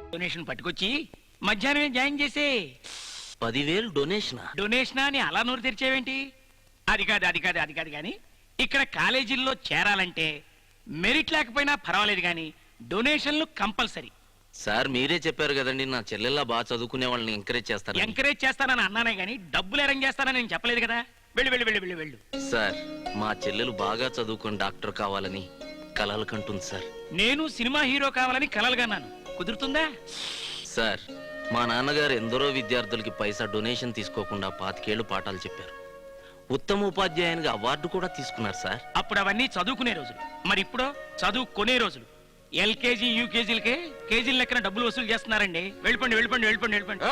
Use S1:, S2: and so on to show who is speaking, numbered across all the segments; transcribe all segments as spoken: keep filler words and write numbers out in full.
S1: Donation పట్టుకొచ్చి మధ్యాహ్నమే join చేసే.
S2: పదివేలు డొనేషనా?
S1: డొనేషనా అని అలా నోరు తెరిచేవేంటి? అది కాదు అది కాదు అది కాదు కానీ ఇక్కడ కాలేజీల్లో చేరాలంటే మెరిట్ లేకపోయినా పర్వాలేదు కానీ డొనేషన్లు కంపల్సరీ.
S2: సార్ మీరే చెప్పారు కదండి నా చెల్లెల్లా బాగా చదువుకునే వాళ్ళని ఎంకరేజ్ చేస్తారు.
S1: ఎంకరేజ్ చేస్తానని అన్నానే గానీ డబ్బులు అరేంజ్ చేస్తానని నేను చెప్పలేదు కదా. వెళ్ళు వెళ్ళు వెళ్ళు వెళ్ళు వెళ్ళు.
S2: సార్ మా చెల్లెలు బాగా చదువుకుని డాక్టర్ కావాలని కలలు కంటుంది సార్.
S1: నేను సినిమా హీరో కావాలని కలలుగన్నాను. కుదురుతుందా?
S2: సార్ మా నాన్నగారు ఎందరో విద్యార్థులకి పైసా డొనేషన్ తీసుకోకుండా పాతికేళ్లు పాఠాలు చెప్పారు. ఉత్తమ ఉపాధ్యాయునిగా అవార్డు కూడా తీసుకున్నారు సార్.
S1: అప్పుడు అవన్నీ చదువుకునే రోజులు. మరి ఇప్పుడు చదువుకునే రోజులు. ఎల్కేజీ యూకేజీలకే కేజీల లెక్కన డబ్బులు వసూలు చేస్తున్నారండి. వెళ్ళిపోండి వెళ్ళిపోండి వెళ్ళిపోండి వెళ్ళిపోండి.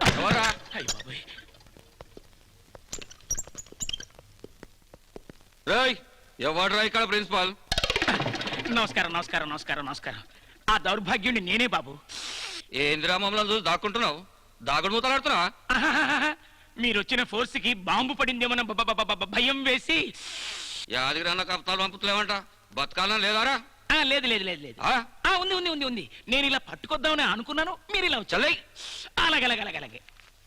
S3: ఎవడ్రా ఇక్కడ ప్రిన్సిపాల్?
S1: నమస్కారం నమస్కారం నమస్కారం నమస్కారం. ఆ దౌర్భాగ్యుడిని నేనే బాబు.
S3: ఏందిరా మమ్మల్ని చూసి దాక్కుంటున్నావు? దాగుడు మూతలాడుతున్నా?
S1: మీరు వచ్చిన ఫోర్స్ కి బాంబు పడిందేమన్న భయం వేసి.
S3: యాదగిరి అన్న కప్తాలు పంపుతలేమంట. బతకాలని లేదారా?
S1: లేదు లేదు లేదు లేదు. ఉంది ఉంది ఉంది ఉంది. నేను ఇలా పట్టుకొద్దామని అనుకున్నాను, మీరు ఇలా వచ్చాయి. అలాగే అలాగే అలాగే అలాగే.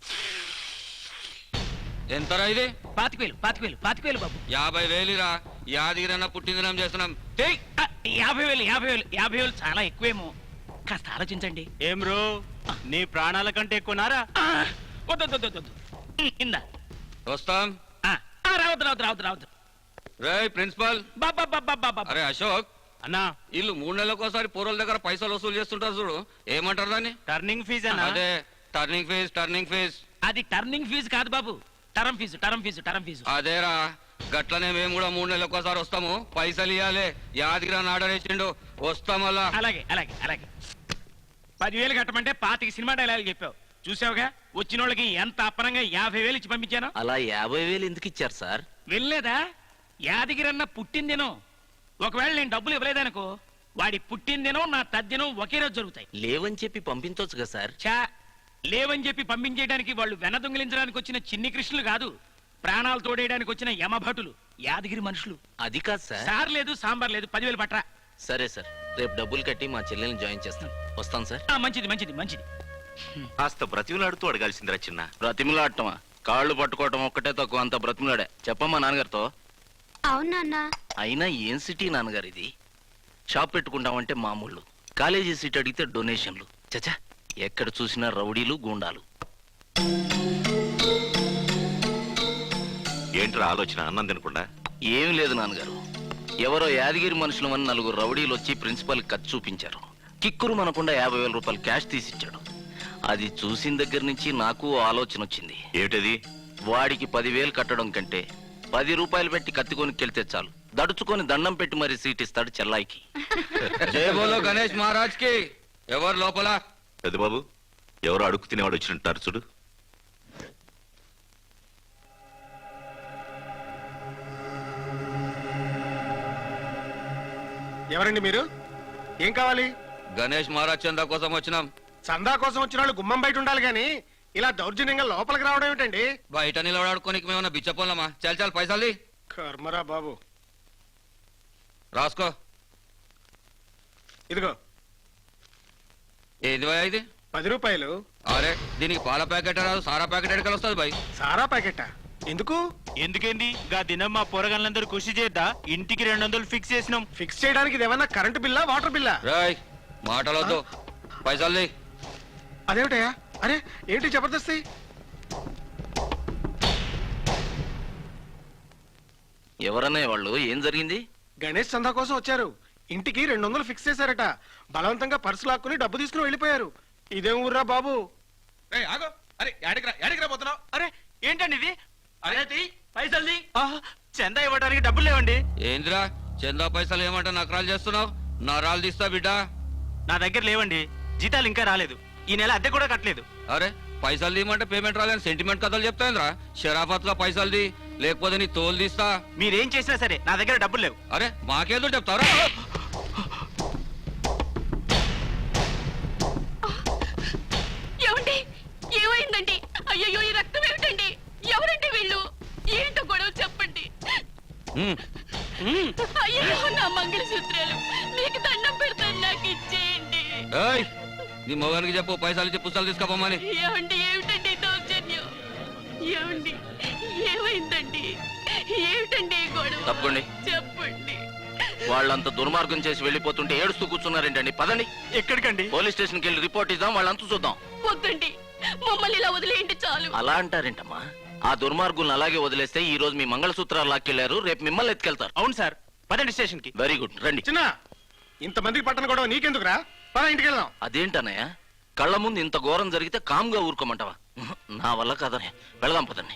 S3: ఎంతరా ఇది?
S1: పాతిక వేలు పాతిక వేలు పాతిక వేలు బాబు.
S3: యాభై వేలురా. యాదగిరి అన్న పుట్టినదినం చేస్తున్నాం.
S1: యాభై వేలు యాభై వేలు యాభై వేలు చాలా ఎక్కువేమో. కాస్త ఆలోచించండి.
S4: ఏం రో నీ ప్రాణాల కంటే ఎక్కువనారా?
S1: వద్దు ఇందా
S3: వస్తాం.
S1: రావద్దు రావద్దు రావద్దు రావద్దు.
S3: రే ప్రిన్సిపాల్.
S1: బాబా బాబా బాబా.
S3: అరే అశోక్
S4: అన్నా,
S3: వీళ్ళు మూడు నెలలకోసారి పూర్వల దగ్గర పైసలు వసూలు చేస్తుంటారు చూడు, ఏమంటారు దాన్ని?
S4: టర్నింగ్ ఫీజ్ అన్నా.
S3: అదే టర్నింగ్ ఫీజ్ టర్నింగ్ ఫీజ్.
S1: అది టర్నింగ్ ఫీజు కాదు బాబు, term fee term fee term fee.
S3: అదేరా, గట్లనే మేము కూడా మూడు నెలలకోసారి వస్తాము. పైసలు ఇవ్వాలి. యాదగిరి అని ఆర్డర్ ఇచ్చిండు, వస్తామల్లా.
S1: అలాగే అలాగే అలాగే. పదివేలు కట్టమంటే పాతికి సినిమా డైలాగ్ చెప్పావు. చూసావుగా వచ్చిన వాళ్ళకి ఎంత అప్పనంగా యాభై వేలు ఇచ్చి పంపించాను.
S2: అలా యాభై వేలు ఎందుకు ఇచ్చారు సార్?
S1: వెళ్ళలేదా? యాదగిరన్న పుట్టిందినో. ఒకవేళ నేను డబ్బులు ఇవ్వలేదనుకో వాడి పుట్టిందినో నా తద్దినం ఒకే రోజు జరుగుతాయి.
S2: లేవని చెప్పి పంపించవచ్చు కదా సార్.
S1: చా లేవని చెప్పి పంపించేయడానికి వాళ్ళు వెన దొంగిలించడానికి వచ్చిన చిన్ని కృష్ణులు కాదు, ప్రాణాలు తోడేయడానికి వచ్చిన యమభటులు, యాదగిరి మనుషులు.
S2: అది కాదు సార్.
S1: సార్ లేదు సాంబార్ లేదు, పదివేలు పట్రా.
S2: సరే సార్, రేపు డబ్బులు కట్టి మా చెల్లెల్ని జాయిన్ చేస్తాను. వస్తాను సార్.
S1: మంచిది మంచిది మంచిది.
S5: కాస్త బ్రతిమలాడుతూ అడగాల్సిందిరా చిన్న.
S2: బ్రతిమలాడటమా? కాళ్ళు పట్టుకోవటం ఒక్కటే తక్కువ, అంత బ్రతిమలాడే. చెప్పమ్మా నాన్నగారితో.
S6: అవునా?
S2: అయినా ఏం సిటీ నాన్నగారు ఇది? షాప్ పెట్టుకుంటామంటే మామూళ్ళు, కాలేజీ సీట్ అడిగితే డొనేషన్లు. చచ్చా, ఎక్కడ చూసినా రౌడీలు గూండాలు.
S5: ఏంట్రా ఆలోచన? అన్నం తినకుండా?
S2: ఏం లేదు నాన్నగారు, ఎవరో యాదగిరి మనుషులమని నలుగురు రౌడీలు వచ్చి ప్రిన్సిపల్ ఖర్చు చూపించారు. కిక్కురు మనకుండా యాభై వేల రూపాయలు క్యాష్ తీసిచ్చాడు. అది చూసిన దగ్గర నుంచి నాకు ఆలోచన వచ్చింది.
S5: ఏమిటది?
S2: వాడికి పదివేలు కట్టడం కంటే పది రూపాయలు పెట్టి కత్తికొనికెళ్తే చాలు, దడుచుకొని దండం పెట్టి మరి సీట్ ఇస్తాడు చెల్లాయికి.
S3: జై బోలో గణేష్ మహారాజ్ కి. ఎవరు లోపల?
S5: పెద్ద బాబు, ఎవరో అడుగు తినేవాడు వచ్చినట్టారు చూడు.
S7: ఎవరండి మీరు? ఏం కావాలి?
S3: గణేష్ మహారాజ్ చందా కోసం వచ్చినాం.
S7: చందా కోసం వచ్చిన వాళ్ళు గుమ్మం బయట ఉండాలి గాని ఇలా దౌర్జన్యంగా లోపలికి రావడం ఏమిటండి?
S3: బయట నిలబడాడుకోనికి మేమన్నా బిచ్చపోలమా? చాలు చాలు పైసలు
S7: కర్మరా బాబు.
S3: రాసుకో.
S7: ఇదిగో.
S3: ఏది బాయ్ ఇది?
S7: పది రూపాయలు.
S3: అరే దీనికి పాల ప్యాకెట్ రాదు, సారా ప్యాకెట్ ఎడకలు వస్తుంది బాయ్.
S7: సారా ప్యాకెటా? ఎందుకు?
S4: ఎందుకేంది? గా దినం మా పొరగాళ్ళందరూ కృషి చేద్దా ఇంటికి రెండు వందలు ఫిక్స్ చేసినాం.
S7: ఫిక్స్ చేయడానికి ఇది ఏమన్నా కరెంటు బిల్లా వాటర్ బిల్లా?
S3: రాయ్ మాటలొద్దు, పైసలు.
S7: అదేమిటయా? అరే ఏంటి జబర్దస్తి?
S2: ఎవరన్నా వాళ్ళు? ఏం జరిగింది?
S7: గణేష్ చందా కోసం వచ్చారు. ఇంటికి రెండు వందలు ఫిక్స్ చేశారట. బలవంతంగా పర్సు లాక్కుని డబ్బు తీసుకుని వెళ్ళిపోయారు. ఇదేం ఊర్రా బాబు?
S4: అరే ఏంటండి ఇది? అరే పైసలు చందా ఇవ్వడానికి డబ్బులు లేవండి.
S3: ఏంద్రా చందా పైసలు ఏమంటా నకరాలు చేస్తున్నావు? నరాలు తీస్తా బిడ్డ.
S4: నా దగ్గర లేవండి, జీతాలు ఇంకా రాలేదు, ఈ నెల అద్దె కూడా కట్టలేదు.
S3: అరే పైసలు తీయమంటే పేమెంట్ రాలని సెంటిమెంట్ కథలు చెప్తాయింద్రా. షరాఫత్ గా పైసలు తీ, లేకపోతే నీ తోలు తీస్తా.
S4: మీరేం చేసినా సరే నా దగ్గర డబ్బులు లేవు.
S3: అరే మాకేదో చెప్తారా?
S6: ఏమండి? ఏమైందండి? అయ్యో ఈ రక్తం ఏమిటండి? ఎవరండి వీళ్ళు? ఏంటో గొడవ చెప్పండి. అయ్యో నా మంగళసూత్రాలు మీకు దండం పెడతాను, నాకు ఇచ్చేయండి.
S3: నీ మొగానికి చెప్పు పైసలు ఇచ్చి పుస్తకాలు తీసుకోపోమని.
S6: ఏమండి ఏమిటండి దౌర్జన్యం? ఏమండి ఏమైందండి? ఏమిటండి ఈ గొడవ?
S2: తప్పకుండా.
S6: చెప్పండి.
S2: వాళ్ళంత దుర్మార్గం చేసి వెళ్ళిపోతుంటే ఏడుస్తూ కూర్చున్నారేంటండి? పదండి
S4: ఎక్కడికండి?
S2: పోలీస్ స్టేషన్కి వెళ్ళి రిపోర్ట్ ఇద్దాం, వాళ్ళంతా చూద్దాం.
S6: వద్దండి, మమ్మల్ని ఇలా వదిలేయండి చాలు.
S2: అలా అంటారేంటమ్మా? ఆ దుర్మార్గులను అలాగే వదిలేస్తే ఈ రోజు మీ మంగళసూత్రాలు లాక్కెళ్లారు, రేపు మిమ్మల్ని ఎత్తుకెళ్తారు.
S4: అవును సార్, పదండి స్టేషన్ కి.
S2: వెరీ గుడ్, రండి.
S7: చిన్న ఇంతమందికి పట్టణ గొడవ నీకెందుకురా? పద ఇంటికి వెళ్దాం.
S2: అదేంటన్నయ్య, కళ్ళ ముందు ఇంత ఘోరం జరిగితే కామ్గా ఊరుకోమంటావా? నా వల్ల కాదనే, వెళదాం పదండి.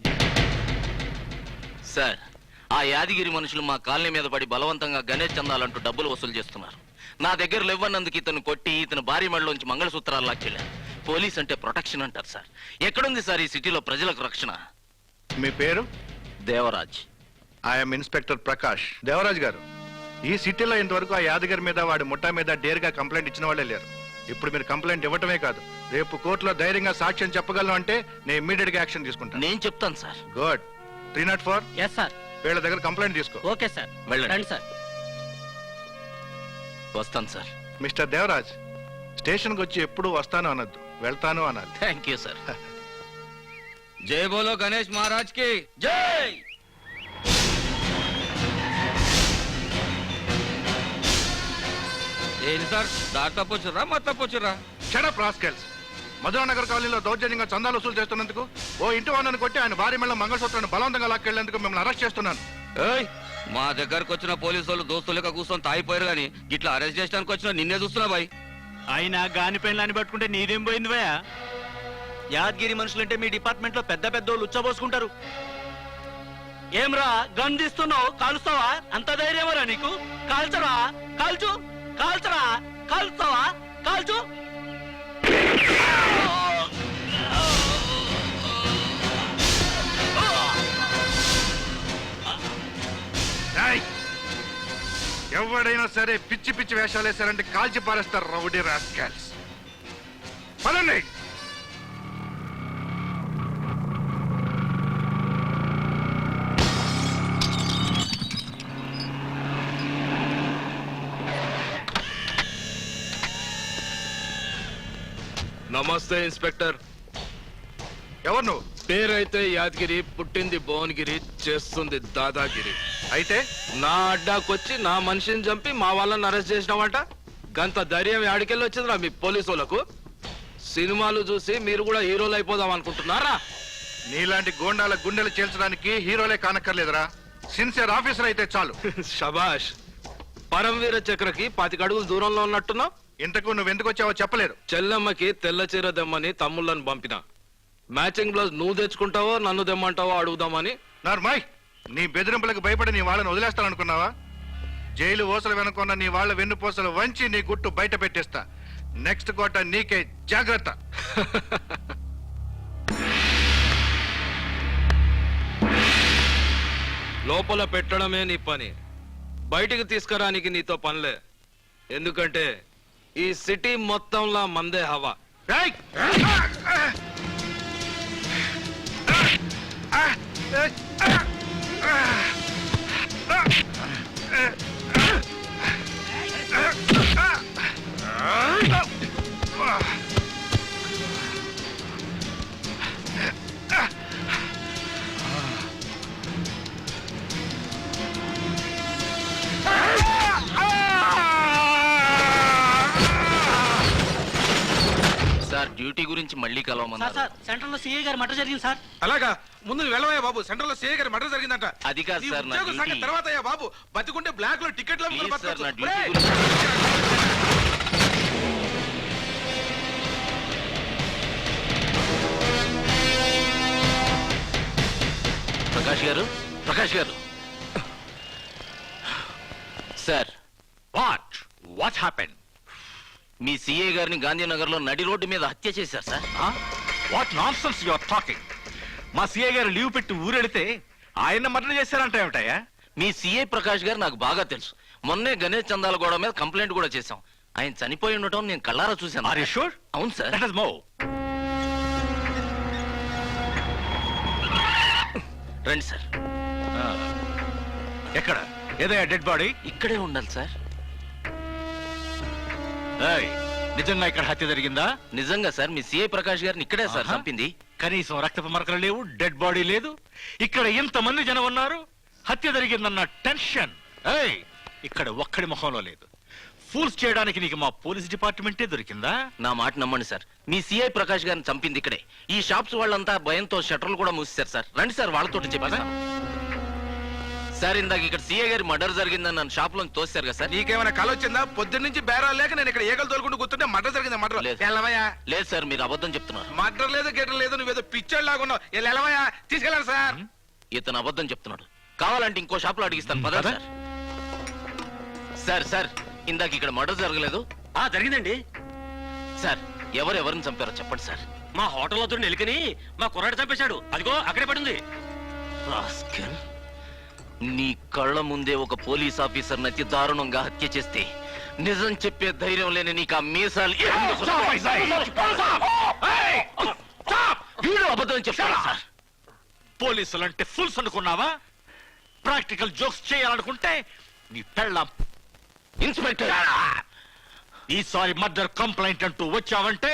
S2: సార్, ఆ యాదగిరి మనుషులు మా కాలనీ మీద పడి బలవంతంగా గణేష్ చందాలంటూ డబ్బులు వసూలు చేస్తున్నారు. నా దగ్గర లేవన్నందుకు ఇతను కొట్టి ఇతను భారీ మెడలోంచి మంగళసూత్రాలు లాక్కెళ్ళారు. పోలీస్ అంటే ప్రొటెక్షన్ అంటారు సార్. ఎక్కడుంది సార్ ఈ సిటీలో ప్రజలకు రక్షణ?
S8: మీ పేరు?
S2: దేవరాజ్.
S8: I'm inspector Prakash. దేవరాజ్ గారు, ఈ సిటీలో ఇంతవరకు ఆ యాదగిరి మీద వాడి ముఠా మీద డేర్గా కంప్లైంట్ ఇచ్చిన వాళ్ళే లేరు. ఇప్పుడు మీరు కంప్లైంట్ ఇవ్వటమే కాదు, రేపు కోర్టులో ధైర్యంగా సాక్ష్యం చెప్పగలను అంటే నేను ఇమ్మీడియట్ గా యాక్షన్ తీసుకుంటాను.
S2: నేను చెప్తాను sir.
S8: Good. Three not four
S4: S sir.
S8: వీళ్ళ దగ్గర కంప్లైంట్ తీసుకో.
S4: Okay sir.
S2: వెళ్ళండి
S4: సార్.
S2: వస్తాను సార్.
S8: మిస్టర్ దేవరాజ్, స్టేషన్కి వచ్చి ఎప్పుడు వస్తాను అనొద్దు, వెళ్తాను అనాలి.
S2: Thank you sir.
S3: జై బోలో గణేష్ మహారాజ్ కి
S2: జై.
S3: ఏంటి సార్, దారి తప్పొచ్చురా మా తప్పొచ్చురా?
S8: Shut up rascals. మధురానగర్ కాలనీలో దౌర్జన్యంగా చందాలు వసూలు చేస్తున్నందుకు ఓ ఇంటి వాళ్ళని కొట్టి ఆయన భార్య మెళ్ళ మంగళసూత్రాన్ని బలవంతంగా లాక్కెళ్లేందుకు మిమ్మల్ని అరెస్ట్ చేస్తున్నాను.
S3: ఏయ్, మా దగ్గరకు వచ్చిన పోలీసు వాళ్ళు దోస్తులు లెక్క కూర్చొని తాగిపోయారు కానీ ఇట్లా అరెస్ట్ చేయడానికి వచ్చిన నిన్నే చూస్తున్నా బాయ్.
S4: అయినా గాని పెళ్ళని పట్టుకుంటే నీదేం పోయింది భయ? యాదగిరి మనుషులంటే మీ డిపార్ట్మెంట్ లో పెద్ద పెద్ద వాళ్ళు ఉచ్చబోసుకుంటారు. ఏమ్రా గన్ తీస్తున్నావు, కాలుస్తావా? అంత ధైర్యమరా నీకు? కాల్చరా, కాల్చు, కాల్చరా, కాల్స్తావా, కాల్చు.
S8: ఎవడైనా సరే పిచ్చి పిచ్చి వేషాలు వేశారంటే కాల్చి పారేస్తారు రౌడీ రాస్కెల్స్. పదండి.
S9: నమస్తే ఇన్స్పెక్టర్.
S8: ఎవరు నువ్వు?
S9: పేరైతే యాదగిరి, పుట్టింది భువనగిరి, చేస్తుంది దాదాగిరి.
S8: అయితే
S9: నా అడ్డాకొచ్చి నా మనిషిని చంపి మా వాళ్ళని అరెస్ట్ చేసినావంట. గంత ధైర్యం యాడికెళ్ళి వచ్చిందిరా మీ పోలీసు వాళ్ళకు? సినిమాలు చూసి మీరు కూడా హీరోలు అయిపోదాం అనుకుంటున్నారా?
S8: నీలాంటి గోండాల గుండెలు చేల్చడానికి హీరోలే కానక్కర్లేదురా, సిన్సియర్ ఆఫీసర్ అయితే చాలు.
S9: షబాష్. పరమవీర చక్రకి పాతిక అడుగులు దూరంలో ఉన్నట్టున్నావు.
S8: ఇంతకు నువ్వు ఎందుకు వచ్చావో చెప్పలేదు.
S9: చెల్లెమ్మకి తెల్ల చీర దెమ్మని తమ్ముళ్ళని పంపిన. మ్యాచింగ్ బ్లౌజ్ నువ్వు తెచ్చుకుంటావో నన్ను దెమ్మంటావో అడుగుదామని.
S8: నార్మాయ్, నీ బెదిరింపులకు భయపడి నీ వాళ్ళని వదిలేస్తాననుకున్నావా? జైలు ఓసలు వెనుకున్న నీ వాళ్ళ వెన్నుపోసలు వంచి నీ గుట్టు బయట పెట్టేస్తా. నెక్స్ట్ కోట నీకే, జాగ్రత్త.
S9: లోపల పెట్టడమే నీ పని, బయటికి తీసుకురానికి నీతో పనిలే. ఎందుకంటే ఈ సిటీ మొత్తంలా మందే హవా.
S8: ఏయ్!
S2: సార్, డ్యూటీ గురించి మళ్ళీ కలవమన్నారు.
S4: సెంటర్ లో సిఐ గారి మటర్ జరిగింది సార్.
S7: అలాగా? ముందు నువ్వు వెళ్ళవయ్యా బాబు, సెంట్రల్ లో సీఏ గారి మర్డర్ జరిగిందంట.
S2: అది కాదు
S7: నీ
S2: సార్, నా
S7: ఉద్యోగ సంగతి
S2: డ్యూటీ.
S7: తర్వాత అయ్యా బాబు, బతికుంటే బ్లాక్ లో టికెట్లు అమ్ముకుని
S2: ప్లీజ్ సార్, నా
S7: బతకొచ్చు.
S2: డ్యూటీ
S7: ఒరేయ్!
S2: గురించి. ప్రకాష్ గారు, ప్రకాష్ గారు. Sir,
S5: what what happen?
S2: మీ సిఏ గారిని గాంధీనగర్ లో నడి రోడ్డు మీద హత్య చేశారు sir.
S5: What nonsense you are talking? మా సీఏ గారు లీవ్ పెట్టి ఊరెడితే ఆయన మర్డర్ చేశారంట ఏమిటయ్యా?
S2: మీ సిఐ ప్రకాష్ గారు నాకు బాగా తెలుసు. మొన్నే గణేష్ చందాల గోడ మీద కంప్లైంట్ కూడా చేశాం. ఆయన చనిపోయి ఉండటం నేను కళ్ళారా చూశాను.
S5: Are you sure?
S2: అవును సార్.
S5: Let us move.
S2: రండి సార్.
S5: ఎక్కడ? ఏదయ్యా డెడ్ బాడీ?
S2: ఇక్కడే ఉండాలి సార్.
S5: ఏయ్, నిజంగా ఇక్కడ హత్య జరిగిందా?
S2: నిజంగా సార్, మీ సిఐ ప్రకాష్ గారిని ఇక్కడే సార్
S5: ఆహా.
S2: చంపింది.
S5: కనీసం రక్తపు మరకలు లేవు, డెడ్ బాడీ లేదు. ఇక్కడ ఇంతమంది జనం ఉన్నారు, హత్య జరిగిందన్న టెన్షన్ ఏయ్ ఇక్కడ ఒక్కడి ముఖంలో లేదు. ఫూల్స్ చేయడానికి నీకు మా పోలీస్ డిపార్ట్మెంటే దొరికిందా?
S2: నా మాట నమ్మండి సార్, మీ సిఐ ప్రకాష్ గారిని చంపింది ఇక్కడే. ఈ షాప్స్ వాళ్ళంతా భయంతో షట్టర్లు కూడా మూసేశారు సార్. రండి సార్, వాళ్ళతోటి చెప్పారా సార్? ఇందాక ఇక్కడ సిఐ గారి మర్డర్ జరిగిందని నన్ను షాప్ లో తోసారు కదా సార్.
S9: నీకేమైనా కల వచ్చిందా? పొద్దున్న నుంచి బేరాలు లేక నేను ఇక్కడ ఏగలు తోలుకుంటూ కూర్చుంటే మర్డర్ జరిగిందా? మర్డర్
S2: లేదు.
S9: ఎలవయా?
S2: లేదు సార్, మీరు అబద్ధం చెప్తున్నారు.
S9: మర్డర్ లేదు గెటర్ లేదు, నువ్వేదో పిచ్చోళ్ళు లాగా ఉన్నావు. ఎలవయా తీసుకెళ్ళాలి సార్.
S2: ఇతను అబద్ధం చెప్తున్నాడు. కావాలంటే ఇంకో షాప్ లో అడిగిస్తాను పద
S5: పద.
S2: సార్. సార్ సార్ ఇందాక ఇక్కడ మర్డర్ జరగలేదు
S4: ఆ జరిగిందండి.
S2: సార్. ఎవరు ఎవరిని చంపారో చెప్పండి సార్.
S4: మా హోటల్ వద్ద ఎలుకని మా కుర్రాడు చంపేశాడు. అదిగో అక్కడే పడింది.
S2: రాస్కెల్, నీ కళ్ళ ముందే ఒక పోలీస్ ఆఫీసర్ అతి దారుణంగా హత్య చేస్తే నిజం చెప్పే ధైర్యం లేని నీకు ఆ మీసాలు ఎందుకు? వీడు అబద్ధం చెప్తాడు సార్.
S5: పోలీసులు అంటే ఫుల్స్ అనుకున్నావా? ప్రాక్టికల్ జోక్స్ చేయాలనుకుంటే నీ పెళ్ళాం.
S2: ఇన్స్పెక్టర్,
S5: ఈసారి మర్డర్ కంప్లైంట్ అంటూ వచ్చావంటే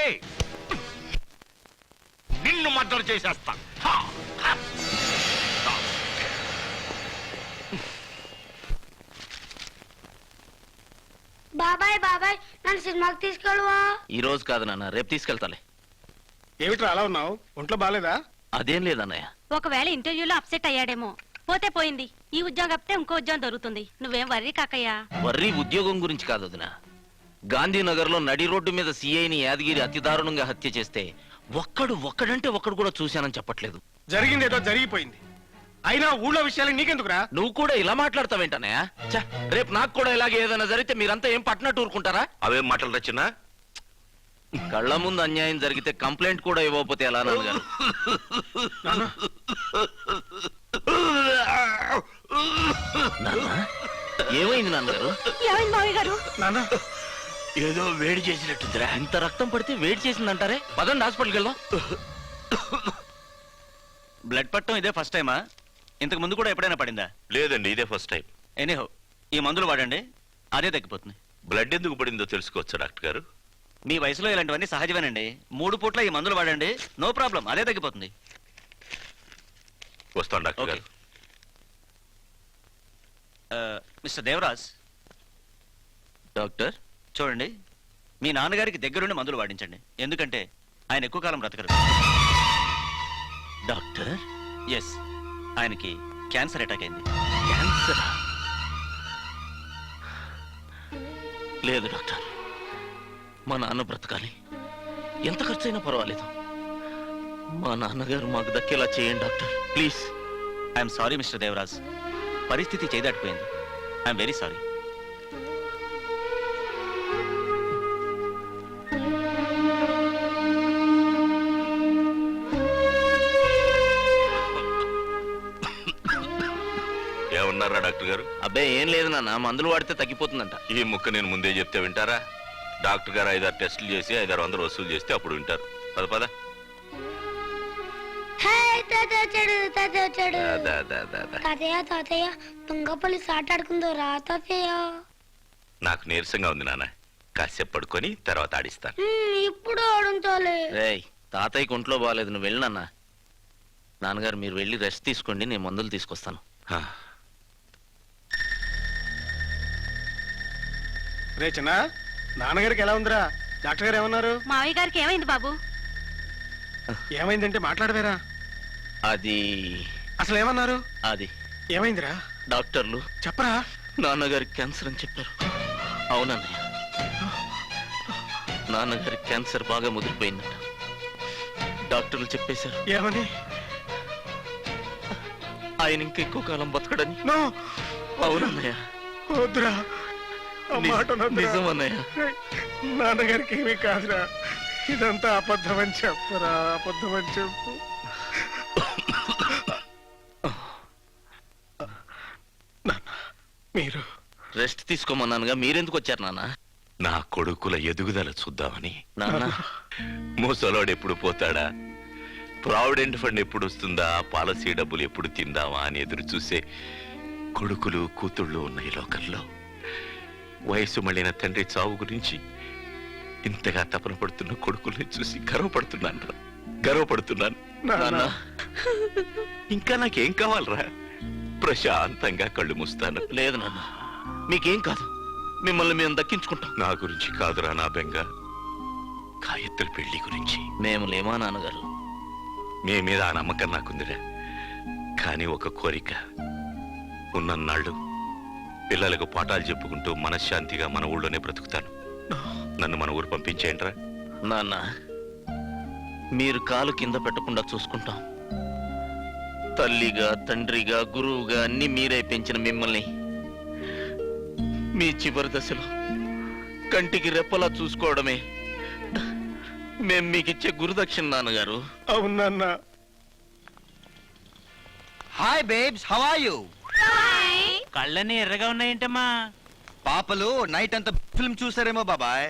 S5: నిన్ను మర్డర్ చేసేస్తా. హా! హా!
S10: బాబాయ్ బాబాయ్ నన్ను సినిమాకి తీసుకెళ్ళవా?
S2: ఈ రోజు కాదు నాన్న, రేపు తీసుకెళ్తాలే.
S7: ఏమిట్రా అలా ఉన్నావు? ఒంట్లో బాలేదా?
S2: అదేం లేదన్నయ్య.
S6: ఒకవేళ ఇంటర్వ్యూలో అప్సెట్ అయ్యాడేమో. పోతే పోయింది. ఈ ఉద్యోగం అప్పితే ఇంకో ఉద్యోగం దొరుకుతుంది. నువ్వేం వర్రీ కాకయ్యా.
S2: వర్రీ ఉద్యోగం గురించి కాదు వదినా. గాంధీనగర్ లో నడి రోడ్డు మీద సిఐని యాదగిరి అతి దారుణంగా హత్య చేస్తే ఒక్కడు ఒక్కడంటే ఒక్కడు కూడా చూశానని చెప్పట్లేదు.
S7: జరిగింది ఏదో జరిగిపోయింది. అయినా ఊళ్ళో విషయాలు నీకెందుకురా?
S2: నువ్వు కూడా ఇలా మాట్లాడతావేంటనయ్య? ఛ, రేపు నాకు కూడా ఇలాగే ఏదైనా జరిగితే మీరంతా ఏం పట్టినట్టు ఊరుకుంటారా?
S5: అవేం మాటలు రచన?
S2: కళ్ళ ముందు అన్యాయం జరిగితే కంప్లైంట్ కూడా ఇవ్వకపోతే ఎలా నాన్నగారు? నాన్న, ఏమైంది నాన్నగారు?
S6: ఏమైంది మావయ్య గారు?
S7: నాన్న
S2: ఏదో వేడి చేసినట్టుందిరా. ఇంత రక్తం పడితే వేడి చేసిందంటారే. పదండి హాస్పిటల్కి వెళ్దాం.
S4: బ్లడ్ పట్టడం ఇదే ఫస్ట్ టైమా? ఇంతకు ముందు కూడా ఎప్పుడైనా పడిందా?
S11: లేదండి, ఇదే ఫస్ట్ టైం.
S4: ఎనీహో ఈ మందులు వాడండి, అదే తగ్గిపోతుంది.
S11: బ్లడ్ ఎందుకు పడిందో తెలుసుకోవచ్చా డాక్టర్ గారు?
S4: మీ వయసులో ఇలాంటివన్నీ సహజమేనండి. మూడు పూట్ల ఈ మందులు వాడండి, నో ప్రాబ్లం, అదే తగ్గిపోతుంది.
S11: వస్తాను డాక్టర్
S4: ఓకే.
S11: గారు.
S4: మిస్టర్ దేవరాజ్,
S2: డాక్టర్,
S4: చూడండి, మీ నాన్నగారికి దగ్గరుండి మందులు వాడించండి. ఎందుకంటే ఆయన ఎక్కువ కాలం బ్రతకరు.
S2: డాక్టర్,
S4: ఎస్, ఆయనకి క్యాన్సర్ అటాక్ అయింది.
S2: క్యాన్సర్? లేదు డాక్టర్, మా నాన్న బ్రతకాలి. ఎంత ఖర్చైనా పర్వాలేదు. మా నాన్నగారు మాకు దక్కేలా చేయండి doctor, please.
S4: I'm sorry mister Devaraj, పరిస్థితి చేదాటిపోయింది. I'm very sorry.
S11: ఏమన్నారా డాక్టర్ గారు?
S2: అబ్బాయి ఏం లేదు నాన్న, మందులు వాడితే తగ్గిపోతుందంట.
S11: ఈ ముక్క నేను ముందే చెప్తే వింటారా? డాక్టర్ గారు ఐదారు టెస్టులు చేసి ఐదారు వందలు వసూలు చేస్తే అప్పుడు వింటారు. పద పద.
S10: హే తాతయ్య వచ్చాడు, తాతయ్య వచ్చాడు.
S11: దా, దా, దా, దా.
S10: తాతయ్య తాతయ్య దొంగ పోలీస్ ఆట ఆడుకుందో రా తాతయ్య.
S11: నాకు నీరసంగా ఉంది నాన్న, కాసేపు పడుకొని తర్వాత ఆడిస్తాను.
S10: హ్మ్, ఇప్పుడు ఆడుంచాలి.
S2: రేయ్, తాతయ్యకి ఒంట్లో బాగాలేదు, నువ్వు వెళ్ళి నాన్న. నాన్నగారు మీరు వెళ్ళి రెస్ట్ తీసుకోండి, నేను మందులు తీసుకొస్తాను.
S11: హా.
S7: రే చిన్న, నాన్నగారికి ఎలా ఉందిరా? డాక్టర్ గారు ఏమన్నారు?
S6: మావయ్య గారికి ఏమైంది బాబు?
S7: ఏమైందంటే మాట్లాడవేరా?
S2: అది
S7: అసలు ఏమన్నారు?
S2: అది
S7: ఏమైందిరా?
S2: డాక్టర్లు
S7: చెప్పరా?
S2: నాన్నగారికి క్యాన్సర్ అని చెప్పారు. అవునన్నయ్య, నాన్నగారికి క్యాన్సర్ బాగా ముదిరిపోయిందట. డాక్టర్లు చెప్పేశారు
S7: ఏమని?
S2: ఆయన ఇంకా ఎక్కువ కాలం బతకడని.
S7: నో,
S2: అవునన్నయ్య,
S7: వద్దురా, ఆ మాట అనొద్దురా.
S2: నిజం అన్నయ్య.
S7: రేయ్, నాన్నగారికి ఏమీ కాదురా. ఇదంతా అబద్ధం అని చెప్పరా, అబద్ధం అని చెప్పు. నాన్న, మీరు
S2: రెస్ట్ తీసుకోమన్నానుగా, మీరెందుకు వచ్చారు నాన్న?
S11: నా కొడుకుల ఎదుగుదల చూద్దామని.
S2: నాన్న,
S11: ముసలోడు ఎప్పుడు పోతాడా, ప్రావిడెంట్ ఫండ్ ఎప్పుడు వస్తుందా, పాలసీ డబ్బులు ఎప్పుడు తిందామా అని ఎదురు చూసే కొడుకులు కూతుళ్ళు ఉన్న ఈ లోకంలో వయసు మళ్ళిన తండ్రి చావు గురించి ఇంతగా తపన పడుతున్న కొడుకుల్ని చూసి గర్వపడుతున్నాను రా గర్వపడుతున్నాను
S7: నాన్న
S11: ఇంకా నాకేం కావాలరా? ప్రశాంతంగా కళ్ళు మూస్తాను.
S2: లేదు నాన్న, మీకేం కాదు, మిమ్మల్ని మేము దక్కించుకుంటాం.
S11: నా గురించి కాదురా నా బెంగ, గాయత్రి పెళ్లి గురించి.
S2: మేము లేమా నాన్నగారు?
S11: మీ మీద ఆ నమ్మకం నాకుందిరా. కానీ ఒక కోరిక, ఉన్నన్నాళ్ళు పిల్లలకు పాఠాలు చెప్పుకుంటూ మనశ్శాంతిగా మన ఊళ్ళోనే బ్రతుకుతాను. నన్ను మన ఊరు పంపించేయండిరా.
S2: నాన్న, మీరు కాలు కింద పెట్టకుండా చూసుకుంటాం. తల్లిగా, తండ్రిగా, గురువుగా అన్ని మీరే పెంచిన మిమ్మల్ని మీ చివరి దశలో కంటికి రెప్పలా చూసుకోవడమే మేం మీకిచ్చే గురుదక్షిణ నాన్నగారు.
S7: అవును నాన్న.
S12: Hi babes, how are you?
S4: కళ్ళని ఎర్రగా ఉన్నాయంటమ్మా.
S12: పాపలు నైట్ అంతా ఫిల్మ్ చూసారేమో బాబాయ్.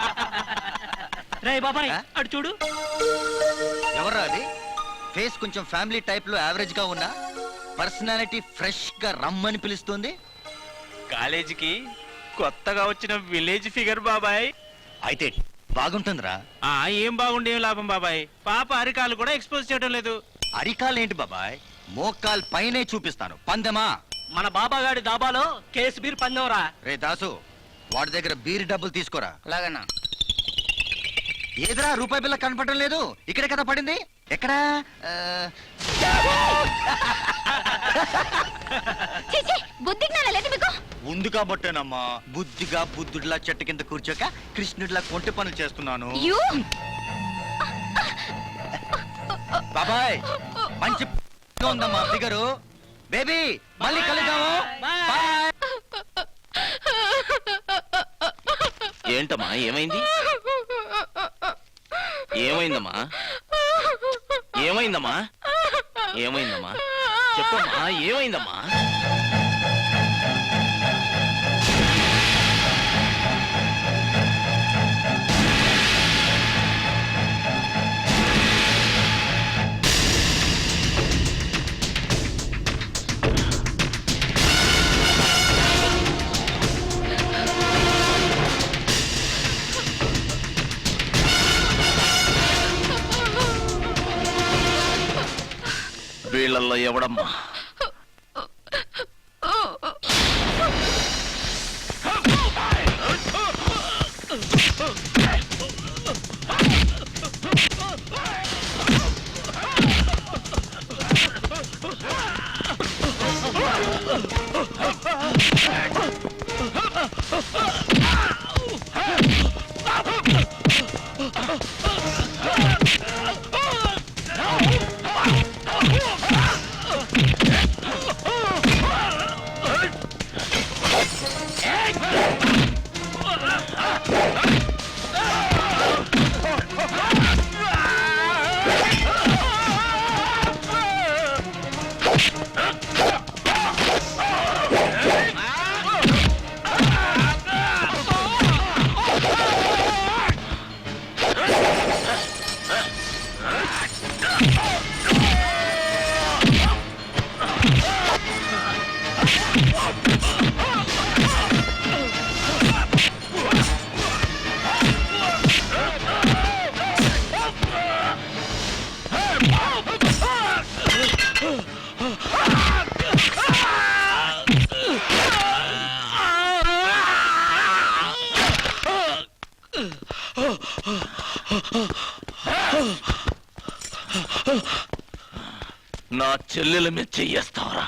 S4: రే బాబాయ్,
S12: ఆ?
S4: అటు చూడు.
S12: ఎవర్రా అది? ఫేస్ కొంచెం ఫ్యామిలీ టైప్ లో యావరేజ్ గా ఉన్నా పర్సనాలిటీ ఫ్రెష్ గా రమ్మని పిలుస్తుంది.
S4: కాలేజీకి కొత్తగా వచ్చిన విలేజ్ ఫిగర్ బాబాయ్.
S12: అయితే బాగుంటుందిరా.
S4: ఆ ఏం బాగుండే లాభం బాబాయ్, పాప అరికాలు కూడా ఎక్స్పోజ్ చేయడం లేదు.
S12: అరికాల్ ఏంటి బాబాయ్, మోకాల్ పైనే చూపిస్తాను. పందెమా?
S4: మన బాబాగాడి దాబాలో కేసు బీర్ పందెవరా.
S12: రే దాసు, వాడి దగ్గర బీర్ డబ్బులు తీసుకోరా.
S2: అలాగన్నా.
S12: ఏదిరా రూపాయి బిల్ల కనపడడం లేదు? ఇక్కడే కదా పడింది. ఎక్కడా? ఆ,
S6: బుద్ధి జ్ఞానం లేదు మీకు?
S12: ఉంది కాబట్టేనమ్మా బుద్ధిగా బుద్ధుడిలా చెట్టు కింద కూర్చోక కృష్ణుడిలా కొంటి పనులు చేస్తున్నాను.
S6: యూ
S12: బాబాయ్, మంచి ఉందమ్మా ఫిగరు. బేబీ, మళ్ళీ కలుద్దాము. బాయ్.
S2: ఏంటమ్మా, ఏమైంది? ఏమైందమ్మా? ఏమైందమ్మా? ఏమైందమ్మా? చెప్పమ్మా, ఏమైందమ్మా? వీళ్ళల్లో ఎవడమ్మా? నా చెల్లెల మీద చెయ్యేస్తావరా?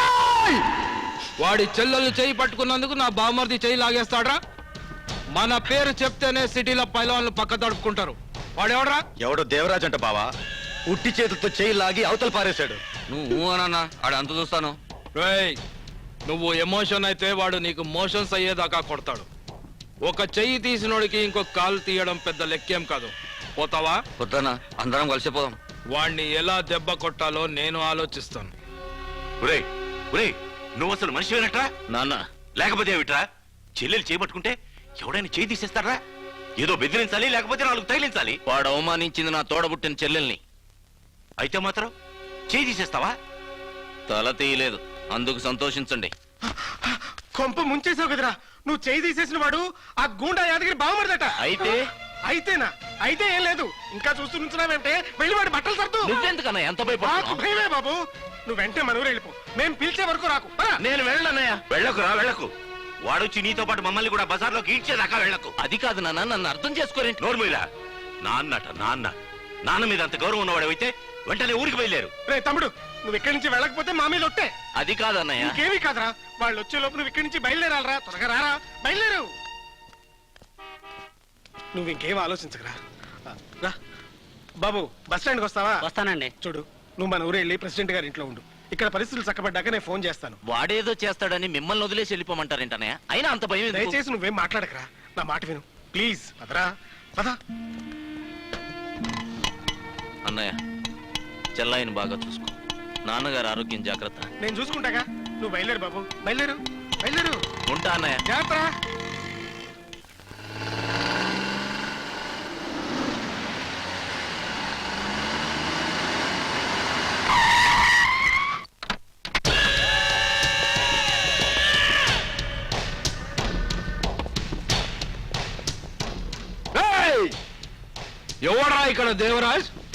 S9: వాడి చెల్లెలు చెయ్యి పట్టుకున్నందుకు నా బామ్మర్ది చెయ్యి లాగేస్తాడ్రా? మన పేరు చెప్తేనే సిటీలో పైలవాళ్ళు పక్క తడుపుకుంటారు. వాడెవడ్రా?
S12: ఎవడో దేవరాజ్ అంట బావా, ఉట్టి చేతులతో చేయి లాగి అవతల పారేశాడు.
S3: నువ్వు అనన్నా ఆడ అంత చూస్తాను. రేయ్, నువ్వు ఎమోషన్ అయితే వాడు నీకు మోషన్స్ అయ్యేదాకా కొడతాడు. ఒక చెయ్యి తీసినోడికి ఇంకొక కాలు తీయడం పెద్ద లెక్కేం కాదు. పోతావా?
S2: వద్దనా, అందరం కలిసిపోదాం.
S3: వాణ్ణి ఎలా దెబ్బ కొట్టాలో నేను ఆలోచిస్తాను.
S11: ఒరేయ్ ఒరేయ్, నువ్వు అసలు మనిషివేనట్రా?
S2: నాన్న,
S11: లేకపోతే ఏమిట్రా? చెల్లెలు చేపట్టుకుంటే ఎవడైనా చేయి తీసేస్తారా? ఏదో బెదిరించాలి, లేకపోతే నాలుగు తగిలించాలి.
S2: వాడు అవమానించింది నా తోడబుట్టిన చెల్లెల్ని.
S11: అయితే మాత్రం చేయి తీసేస్తావా?
S2: తల తీయలేదు, అందుకు సంతోషించండి.
S7: కొంప ముంచేసావు కదరా. నువ్వు చేయి తీసేసిన వాడు ఆ గూండా యాదగిరి బావమరిదట.
S2: అయితే
S7: అయితేనా అయితే ఏం లేదు ఇంకా చూస్తూ నుంచున్నావేంటే వెళ్ళి వాడి బట్టలు సర్దు
S2: నువ్వెందుకన్నా ఎంత
S7: నాకు
S2: భయపడుతున్నావు
S7: భయమే బాబు నువ్వు వెంటనే మన ఊరు వెళ్ళిపో మేము పిలిచే వరకు రాకు పద.
S2: నేను వెళ్ళనన్నయ్య
S11: వెళ్ళకురా వెళ్ళకు వాడొచ్చి నీతో పాటు మమ్మల్ని కూడా బజార్లోకి ఈడ్చేదాకా వెళ్ళకు
S2: అది కాదు నాన్న నన్ను అర్థం చేసుకోరేంటి
S11: నోర్మిలా నాన్నట నాన్న నాన్న మీద అంత గౌరవం ఉన్నవాడైతే వెంటనే ఊరికి వెళ్ళారు
S7: రే తమ్ముడు నువ్వు ఇక్కడి నుంచి వెళ్ళకపోతే మా మీద ఒట్టే
S2: అది కాదన్నయ్య
S7: ఇంకేమీ కాదురా వాళ్ళు వచ్చే లోపు నువ్వు ఇక్కడి నుంచి బయలుదేరాలరా త్వరగా రారా బయలుదేరు నువ్వు ఇంకేం ఆలోచించకరా ఆ, రా బాబు బస్ స్టాండ్కి వస్తావా
S4: వస్తానండి.
S7: చూడు నువ్వు మన ఊరు వెళ్ళి ప్రెసిడెంట్ గారి ఇంట్లో ఉండు ఇక్కడ పరిస్థితులు చక్కబడ్డాక నేను ఫోన్ చేస్తాను
S2: వాడేదో చేస్తాడని మిమ్మల్ని వదిలేసి వెళ్ళిపోమంటారేంటన్నయ్య అయినా అంత భయం ఎందుకు?
S7: దయచేసి నువ్వేం మాట్లాడకరా నా మాట విను ప్లీజ్ పదరా పద
S2: అన్నయ్య చెల్లాయిని బాగా చూసుకో నాన్నగారు ఆరోగ్యం జాగ్రత్త
S7: నేను చూసుకుంటాగా నువ్వు బయలుదేరు బాబు బయలుదేరు బయలుదేరు
S2: ఉంటా అన్నయ్య
S7: జాగ్రత్త
S3: ఏయ్! ఎవడ్రా ఇక్కడ దేవరాజ్